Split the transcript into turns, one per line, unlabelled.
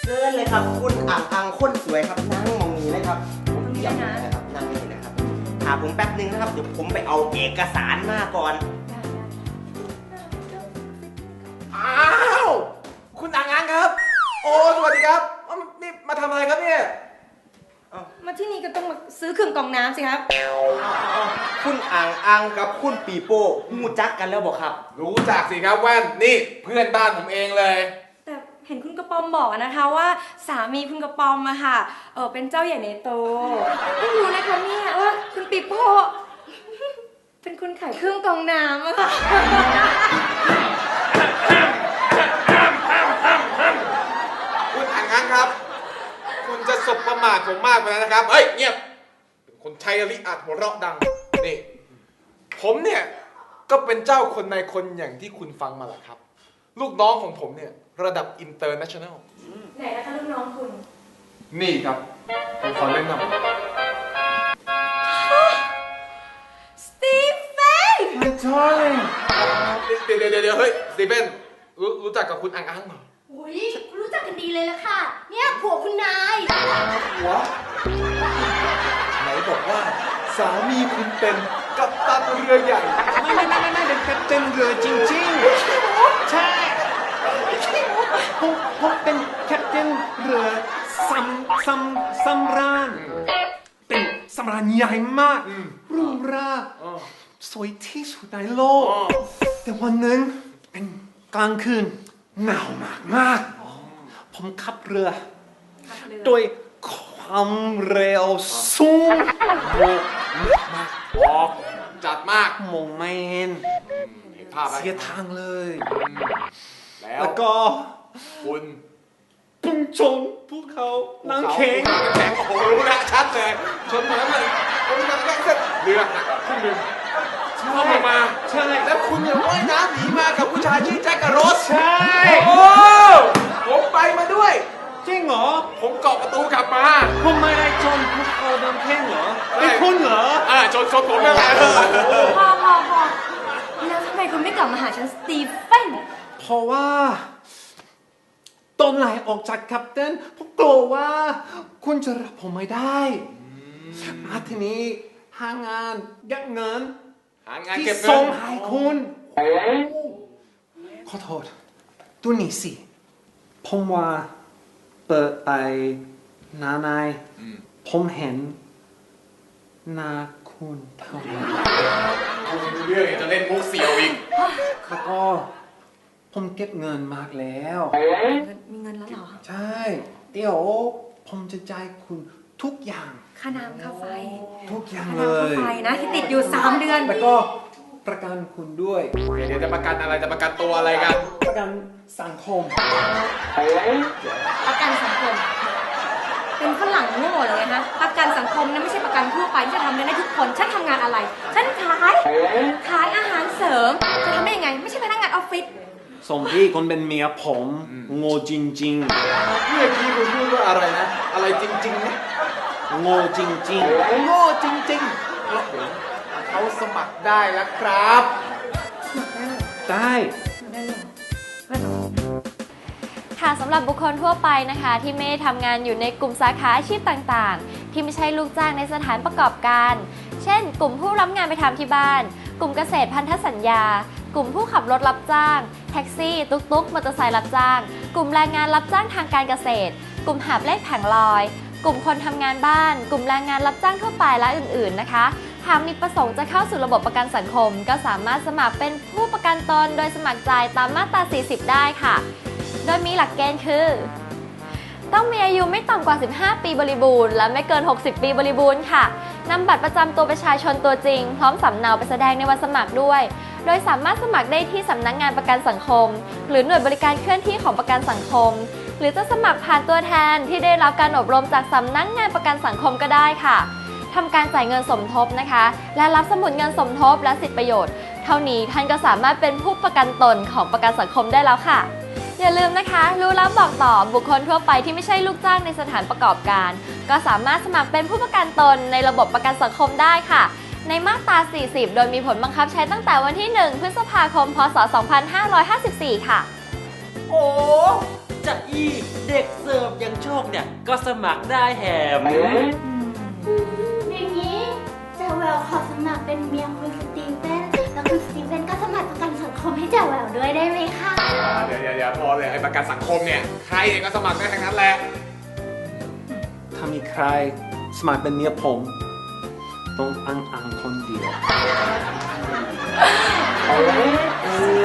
เชิญเลยครับคุณอ่างคนสวยครับนั่งมองนี้เลยครับผมเตรียมนะครับนั่งนี่นะครับหาผมแป๊บนึงนะครับเดี๋ยวผมไปเอาเอกสารมาก่อน
อ้าวคุณอ่างครับโอ้สวัสดีครับนี่มาทำอะไรครับเนี่ย
มาที่นี่ก็ต้องมาซื้อเครื่องกรองน้ำสิครับ
คุณอ่างกับคุณปีโป้มูจักกันแล้วบอกครับ
รู้จักสิครับแว่นนี่เพื่อนบ้านผมเองเลย
แต่เห็นคุณกระปอมบอกนะคะว่าสามีคุณกระปอมอะค่ะเป็นเจ้าใหญ่ในโตไม่รู้นะคะเนี่ยว่าคุณปีโป้เป็นคนขายเครื่องกรองน้ำอะค่ะ
คุณอ่างครับคุณจะสบประมาทผมมากไปแล้วนะครับเฮ้ยเงียบเป็นคนชัยริอาจหัวเราะดังนี่ผมเนี่ยก็เป็นเจ้าคนในคนอย่างที่คุณฟังมาแหละครับลูกน้องของผมเนี่ยระดับอินเตอร์เนชั่นแนล
ไหนนะคะลูกน้องคุณ
นี่ครับผมขอแนะนำ
สตีเฟน
ไม่ใช่เดี๋ยวเฮ้ยสตีเฟนรู้จักกับคุณอ่างเหรอ
อุ้ยคุณรู้จักกันดีเลยละค่ะเนี่ยผัวคุณนาย
หัวไหนบอกว่าสามีคุณเป็นกัปตันเรือใหญ่
ไม่เป็นกัปตันเรือจริงๆใช่ผมเป็นแคปตันเรือสำราญเป็นสำราญใหญ่มากหรูหราสวยที่สุดในโลกแต่วันหนึ่งเป็นกลางคืนหนาวมากผมขับเรือโดยความเร็วสูง
มากออกจัดมาก
มองไม่เห็นเสียทางเลยแล้วก็
คุณ
พุ่งชนภูเขาน้ำแข็ง
โอ้โหรู้แล้วชัดเลยชนมาแล้วมันผมจะแค่เส้นเรือหักครึ่งหนึ่งเข้ามา
ใช่
แล้วคุณยังว่ายน้ำหนีมากับผู้ชายชื่อแจ็คกับโรส
ใช่
โอ้ผมไปมาด้วย
จริงเหรอ
ผมเกาะประตูกลับมา
ผมไม่ได้ชนภูเขาน้ำแข็งเหรอเป็นคุณเหรอ
ชนผมนั่นแหละ
พอแล้วทำไมคุณไม่กลับมาหาฉันสตีเฟน
เพราะว่าตอนไหลออกจากแคปตันผมกลัวว่าคุณจะรับผมไม่ได้มาทีนี้หางานเก็บเงินที่ส่งให้คุณขอโทษตัวนี้สิผมว่าเปิดไปนานผมเห็นหน้าคุณเท่านั้น
คุณเรื่องจะเล่นมุกเสียวอีก
แล้วก็ผมเก็บเงินมากแล้ว
มีเงินแล้วเหรอ
ใช่เดี๋ยวผมจะจ่ายคุณทุกอย่าง
ค่าน้ำค่าไฟ
ทุกอย่างเลย
ค่าน้ำค่าไฟนะที่ติดอยู่3 เดือน
แล้วก็ประกันคุณด้วย
เดี๋ยวจะประกันอะไรจะประกันตัวอะไรกัน
ประกันสังคม
ประกันสังคมเป็นฝรั่งโง่เลยนะประกันสังคมนั้นไม่ใช่ประกันทั่วไปที่จะทำได้ทุกคนฉันทำงานอะไรฉันขายอาหารเสริมจะทำได้ยังไงไม่ใช่พนักงานออฟฟิศ
สมพี่คนเป็นเมียผมโง่จริง
ๆเมื่อกี้คุณพูดว่าอะไรนะอะไรจริงๆนะ
โง่จริง
ๆโง่จริงๆแล้วเขาสมัครได้แล้วครับ
ได้
ค่ะสำหรับบุคคลทั่วไปนะคะที่ไม่ได้ทำงานอยู่ในกลุ่มสาขาอาชีพต่างๆที่ไม่ใช่ลูกจ้างในสถานประกอบการเช่นกลุ่มผู้รับงานไปทำที่บ้านกลุ่มเกษตรพันธสัญญากลุ่มผู้ขับรถรับจ้างแท็กซี่ตุ๊กๆมอเตอร์ไซค์รับจ้างกลุ่มแรงงานรับจ้างทางการเกษตรกลุ่มหาบเล่แผงลอยกลุ่มคนทำงานบ้านกลุ่มแรงงานรับจ้างทั่วไปและอื่นๆนะคะหากมีประสงค์จะเข้าสู่ระบบประกันสังคมก็สามารถสมัครเป็นผู้ประกันตนโดยสมัครใจตามมาตรา 40 ได้ค่ะโดยมีหลักเกณฑ์คือต้องมีอายุไม่ต่ำกว่า 15 ปีบริบูรณ์และไม่เกิน 60 ปีบริบูรณ์ค่ะนำบัตรประจำตัวประชาชนตัวจริงพร้อมสำเนาไปแสดงในวันสมัครด้วยโดยสามารถสมัครได้ที่สำนักงานประกันสังคมหรือหน่วยบริการเคลื่อนที่ของประกันสังคมหรือจะสมัครผ่านตัวแทนที่ได้รับการอบรมจากสำนักงานประกันสังคมก็ได้ค่ะทำการจ่ายเงินสมทบนะคะและรับสมุดเงินสมทบและสิทธิประโยชน์เท่านี้ท่านก็สามารถเป็นผู้ประกันตนของประกันสังคมได้แล้วค่ะอย่าลืมนะคะรู้แล้วบอกต่อบุคคลทั่วไปที่ไม่ใช่ลูกจ้างในสถานประกอบการก็สามารถสมัครเป็นผู้ประกันตนในระบบประกันสังคมได้ค่ะในมาตรา 40 โดยมีผลบังคับใช้ตั้งแต่วันที่ 1 พฤษภาคม พ.ศ. 2554 ค่ะ
โอ้
จะอี้เด็กเสิร์ฟอย่างโชคเนี่ยก็สมัครได้แหม
อย่างนี้แจ๋วแหววขอสมัครเป็นเมียคุณสตีเฟนแล้วคุณสตีเฟนก็สมัครประกันสังคมให้แจ๋วแหววด้วยได้ไหมคะ
เดี๋ยวพอเลยไอ้ประกันสังคมเนี่ยใครก็สมัครได้ทั้งนั้นแหละ
ถ้ามีใครสมัครเป็นเมียผม ต้องอังคนเดียว